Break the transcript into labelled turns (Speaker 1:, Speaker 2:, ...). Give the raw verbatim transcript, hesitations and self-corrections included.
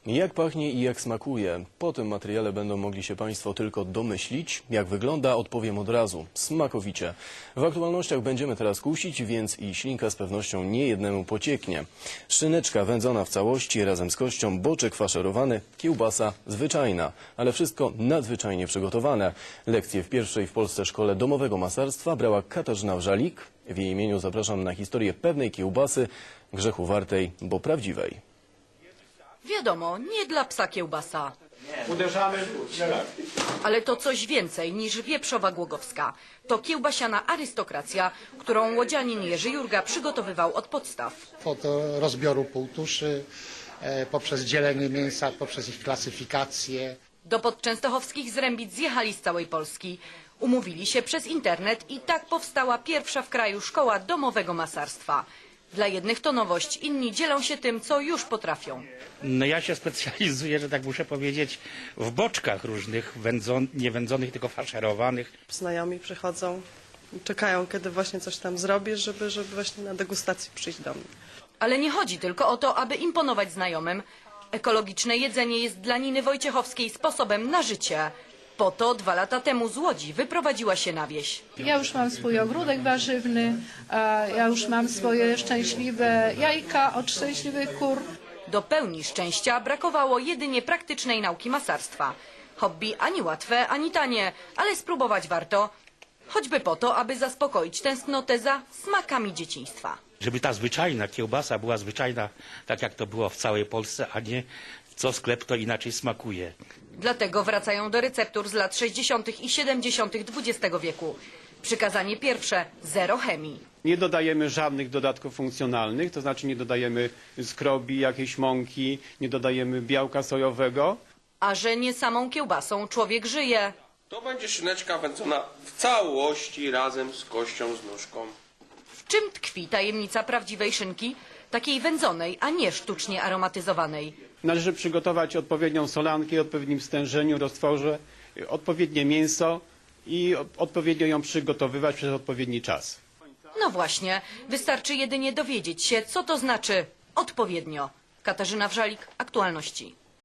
Speaker 1: Jak pachnie i jak smakuje? Po tym materiale będą mogli się Państwo tylko domyślić. Jak wygląda, odpowiem od razu. Smakowicie. W aktualnościach będziemy teraz kusić, więc i ślinka z pewnością nie jednemu pocieknie. Szyneczka wędzona w całości razem z kością, boczek faszerowany, kiełbasa zwyczajna, ale wszystko nadzwyczajnie przygotowane. Lekcje w pierwszej w Polsce szkole domowego masarstwa brała Katarzyna Wrzalik. W jej imieniu zapraszam na historię pewnej kiełbasy, grzechu wartej, bo prawdziwej.
Speaker 2: Wiadomo, nie dla psa kiełbasa.
Speaker 3: Uderzamy.
Speaker 2: Ale to coś więcej niż wieprzowa głogowska. To kiełbasiana arystokracja, którą łodzianin Jerzy Jurga przygotowywał od podstaw.
Speaker 4: Od rozbioru półtuszy, e, poprzez dzielenie mięsa, poprzez ich klasyfikację.
Speaker 2: Do podczęstochowskich zrębic zjechali z całej Polski. Umówili się przez internet i tak powstała pierwsza w kraju szkoła domowego masarstwa. Dla jednych to nowość, inni dzielą się tym, co już potrafią.
Speaker 3: No ja się specjalizuję, że tak muszę powiedzieć, w boczkach różnych, wędzon, nie wędzonych, tylko faszerowanych.
Speaker 5: Znajomi przychodzą, czekają, kiedy właśnie coś tam zrobisz, żeby, żeby właśnie na degustację przyjść do mnie.
Speaker 2: Ale nie chodzi tylko o to, aby imponować znajomym. Ekologiczne jedzenie jest dla Niny Wojciechowskiej sposobem na życie. Po to dwa lata temu z Łodzi wyprowadziła się na wieś.
Speaker 6: Ja już mam swój ogródek warzywny, a ja już mam swoje szczęśliwe jajka od szczęśliwych kur.
Speaker 2: Do pełni szczęścia brakowało jedynie praktycznej nauki masarstwa. Hobby ani łatwe, ani tanie, ale spróbować warto. Choćby po to, aby zaspokoić tęsknotę za smakami dzieciństwa.
Speaker 3: Żeby ta zwyczajna kiełbasa była zwyczajna, tak jak to było w całej Polsce, a nie co sklep to inaczej smakuje.
Speaker 2: Dlatego wracają do receptur z lat sześćdziesiątych i siedemdziesiątych dwudziestego wieku. Przykazanie pierwsze – zero chemii.
Speaker 7: Nie dodajemy żadnych dodatków funkcjonalnych, to znaczy nie dodajemy skrobi, jakiejś mąki, nie dodajemy białka sojowego.
Speaker 2: A że nie samą kiełbasą człowiek żyje.
Speaker 8: To będzie szyneczka wędzona w całości razem z kością, z nóżką.
Speaker 2: W czym tkwi tajemnica prawdziwej szynki? Takiej wędzonej, a nie sztucznie aromatyzowanej.
Speaker 7: Należy przygotować odpowiednią solankę, odpowiednim stężeniu, roztworze, odpowiednie mięso i odpowiednio ją przygotowywać przez odpowiedni czas.
Speaker 2: No właśnie, wystarczy jedynie dowiedzieć się, co to znaczy odpowiednio. Katarzyna Wrzalik, Aktualności.